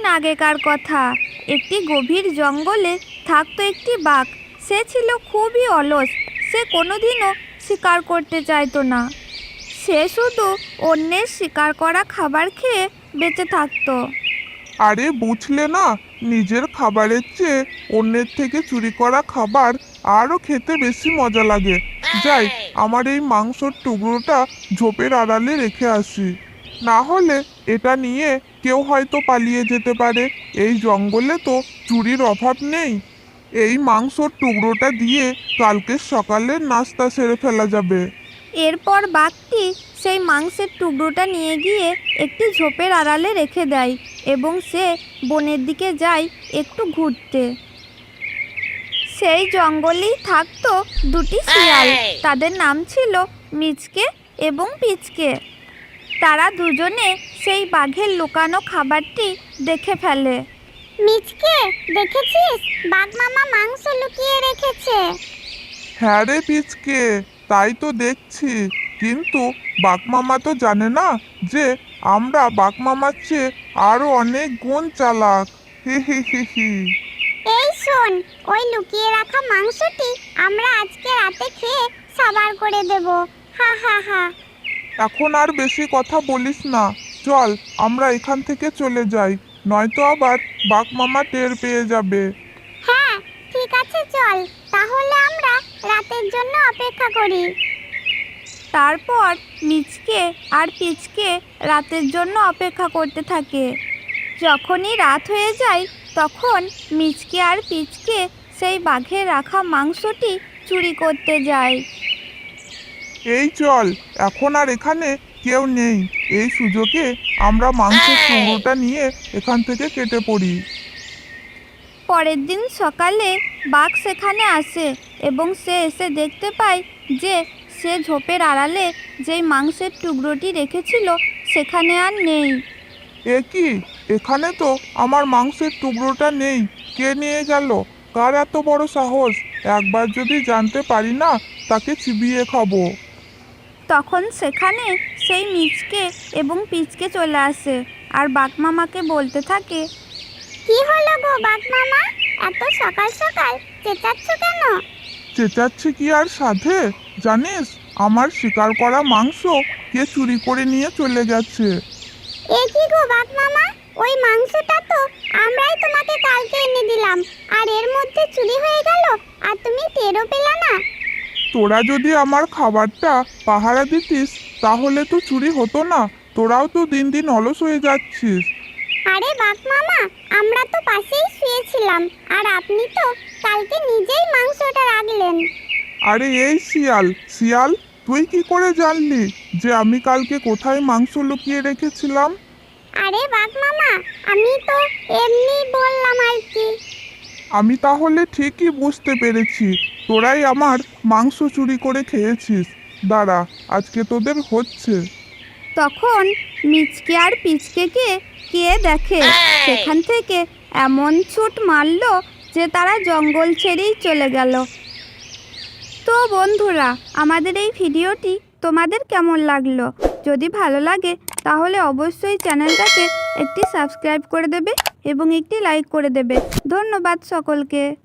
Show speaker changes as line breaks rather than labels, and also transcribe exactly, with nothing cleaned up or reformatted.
আগেকার কথা। একটি গভীর জঙ্গলে থাকতো একটি বাঘ। সে ছিল খুবই অলস। সে কোনোদিনও শিকার করতে চাইতো না। সে শুধু অন্যের শিকার করা খাবার খেয়ে বেঁচে থাকতো।
আরে বুঝলে না, নিজের খাবারের চেয়ে অন্যের থেকে চুরি করা খাবার আরও খেতে বেশি মজা লাগে। যাই, আমার এই মাংসর টুকরোটা ঝোপের আড়ালে রেখে আসি, না হলে এটা নিয়ে কেউ হয়তো পালিয়ে যেতে পারে। এই জঙ্গলে তো চুরির অভাব নেই। এই মাংসর টুকরোটা দিয়ে কালকে সকালের নাস্তা সেরে ফেলা যাবে।
এরপর বাঘটি সেই মাংসের টুকরোটা নিয়ে গিয়ে একটি ঝোপের আড়ালে রেখে দেয় এবং সে বনের দিকে যায় একটু ঘুরতে। সেই জঙ্গলেই থাকতো দুটি শিয়াল। তাদের নাম ছিল মিচকে এবং পিচকে। তারা দুজনে সেই বাঘের লুকানো খাবারটি দেখে ফেলে।
মিচকে, দেখেছিস? বাঘ মামা মাংস লুকিয়ে রেখেছে।
হ্যাঁ রে পিচকে, তাই তো দেখছি। কিন্তু বাঘমামা তো জানে না যে আমরা বাঘমামার চেয়ে আরো অনেক গুণ চালাক। হি হি হি হি।
এই শোন, ওই লুকিয়ে রাখা মাংসটি আমরা আজকে রাতে খেয়ে সাবার করে দেব। হা হা হা।
এখন আর বেশি কথা বলিস না, চল আমরা এখান থেকে চলে যাই, নয়তো আবার বাঘমামা টের পেয়ে যাবে।
হ্যাঁ, ঠিক আছে, চল তাহলে আমরা রাতের জন্য অপেক্ষা করি।
তারপর মিচকে আর পিচকে রাতের জন্য অপেক্ষা করতে থাকে। যখনই রাত হয়ে যায় তখন মিচকে আর পিচকে সেই বাঘের রাখা মাংসটি চুরি করতে যায়।
এই চল, এখন আর এখানে কেউ নেই। এই সুযোগে আমরা মাংসের টুকরোটা নিয়ে এখান থেকে কেটে পড়ি।
পরের দিন সকালে বাঘ সেখানে আসে এবং সে এসে দেখতে পায় যে সে ঝোপের আড়ালে যেই মাংসের টুকরোটি রেখেছিল সেখানে আর নেই।
এ কি, এখানে তো আমার মাংসের টুকরোটা নেই। কে নিয়ে গেল? কার এত বড় সাহস? একবার যদি জানতে পারি না, তাকে চিবিয়ে খাবো।
তখন সেখানে সেই মিচকে এবং পিচকে চলে আসে আর বাঘমামাকে বলতে থাকে,
কি হলো গো বাঘ মামা, এত সকাল সকাল চেঁচাচ্ছ কেন?
চেঁচাচ্ছি কি আর সাধে? জানিস, আমার শিকার করা মাংস কে চুরি করে নিয়ে চলে গেছে।
এ কি গো বাঘ মামা, ওই মাংসটা তো আমরাই তোমাকে কালকে এনে দিলাম, আর এর মধ্যে চুরি হয়ে গেল আর তুমি টেরও পেলে না?
তোরা যদি আমার খাবারটা পাহারা দিতিস তাহলে তো চুরি হতো না। তোরাও তো দিন দিন অলস হয়ে যাচ্ছিস।
আরে বাঘ মামা, আমরা তো পাশেই শুয়েছিলাম আর আপনি তো কালকে নিজেই মাংসটা রাখলেন।
আরে এই শিয়াল শিয়াল, তুই কি করে জানলি যে আমি কালকে কোথায় মাংস লুকিয়ে রেখেছিলাম?
আরে বাঘ মামা, আমি তো এমনি বললাম আর কি।
আমি তাহলে ঠিকই বুঝতে পেরেছি তোরাই আমার মাংস চুরি করে খেয়েছিস। দাঁড়া, আজকে তোদের হচ্ছে।
তখন মিচকে আর পিচকেকে কে দেখে সেখান থেকে এমন ছুট মারলো যে তারা জঙ্গল ছেড়েই চলে গেল। তো বন্ধুরা, আমাদের এই ভিডিওটি তোমাদের কেমন লাগলো? যদি ভালো লাগে তাহলে অবশ্যই চ্যানেলটাকে একটি সাবস্ক্রাইব করে দেবে এবং একটি লাইক করে দেবে। ধন্যবাদ সকলকে।